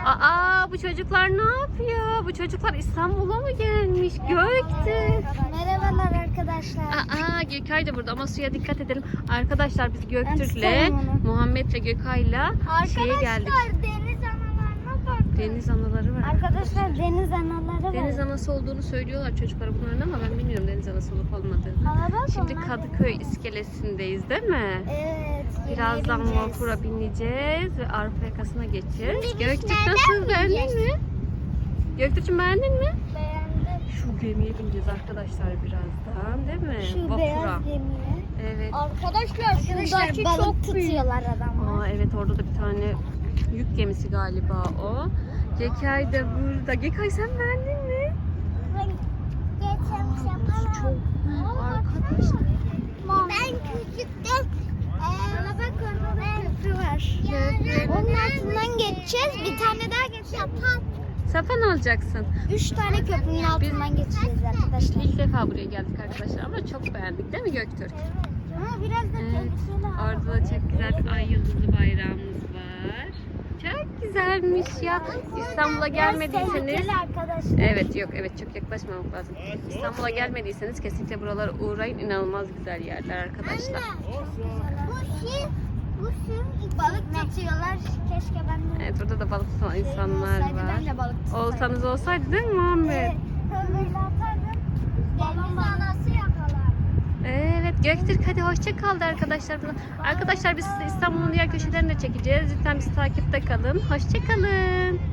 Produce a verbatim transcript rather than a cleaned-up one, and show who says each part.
Speaker 1: Aa, bu çocuklar ne yapıyor? Bu çocuklar İstanbul'a mı gelmiş? Göktürk.
Speaker 2: Merhabalar arkadaşlar.
Speaker 1: Aa, Gökay da burada ama suya dikkat edelim. Arkadaşlar biz Göktürk'le,
Speaker 2: tutarım onu.
Speaker 1: Muhammed'le, Gökay'la şeye geldik.
Speaker 2: Arkadaşlar deniz analarına bakın.
Speaker 1: Deniz anaları var.
Speaker 2: Arkadaşlar deniz anaları var.
Speaker 1: Deniz anası olduğunu söylüyorlar çocuklara bunların ama ben bilmiyorum deniz anası olup olmadığını.
Speaker 2: Aa, bak
Speaker 1: Şimdi
Speaker 2: onlar
Speaker 1: Kadıköy iskelesindeyiz değil mi?
Speaker 2: Evet.
Speaker 1: Birazdan
Speaker 2: bineceğiz.
Speaker 1: vapura bineceğiz ve Avrupa yakasına geçeceğiz.
Speaker 2: Şimdi biz
Speaker 1: Göktürk
Speaker 2: nereden
Speaker 1: nasıl, beğendin
Speaker 2: bineceğiz?
Speaker 1: mi? Göktürk'cüm beğendin mi?
Speaker 2: Beğendim.
Speaker 1: Şu gemiye bineceğiz arkadaşlar birazdan değil mi?
Speaker 2: Şu
Speaker 1: Vapura.
Speaker 2: beyaz gemiye.
Speaker 1: Evet.
Speaker 2: Arkadaşlar
Speaker 3: Arkadaşlar,
Speaker 2: şuradaki
Speaker 3: balık
Speaker 2: çok tutuyorlar adamlar.
Speaker 1: Aa, evet orada da bir tane yük gemisi galiba o. Gekay da burada. Gekay sen beğendin mi?
Speaker 2: Geçen
Speaker 1: Burası çok büyük arkadaşlar.
Speaker 2: Ben küçükten bana bak orada da köprü var.
Speaker 1: Evet.
Speaker 2: Onun altından geçeceğiz. Bir tane daha geçeceğiz.
Speaker 1: Sapan alacaksın.
Speaker 2: Üç tane köprünün altından geçeceğiz arkadaşlar.
Speaker 1: İlk defa buraya geldik arkadaşlar ama çok beğendik değil mi Göktürk?
Speaker 2: Ama biraz da
Speaker 1: Evet.
Speaker 2: tehlikeli.
Speaker 1: Orada da çok güzel bir ay yıldızlı bayrağımız var. Çok güzelmiş ya. İstanbul'a gelmediyseniz
Speaker 2: Tehlikeli arkadaşlar.
Speaker 1: evet yok evet çok yaklaşmamak lazım. İstanbul'a gelmediyseniz kesinlikle buralara uğrayın. İnanılmaz güzel yerler arkadaşlar.
Speaker 2: Bu şey, bu şey balık tutuyorlar. Keşke ben de.
Speaker 1: Evet burada da balık tutan insanlar
Speaker 2: olsaydı
Speaker 1: var.
Speaker 2: ben de balık tutsaydım.
Speaker 1: Olsanız olsaydı değil mi Muhammed?
Speaker 2: Evet, böyle atardım. Deniz anası yakalar.
Speaker 1: Evet Göktürk hadi hoşça kal de arkadaşlar. Arkadaşlar biz size İstanbul'un diğer köşelerini de çekeceğiz. Lütfen bizi takipte kalın. Hoşça kalın.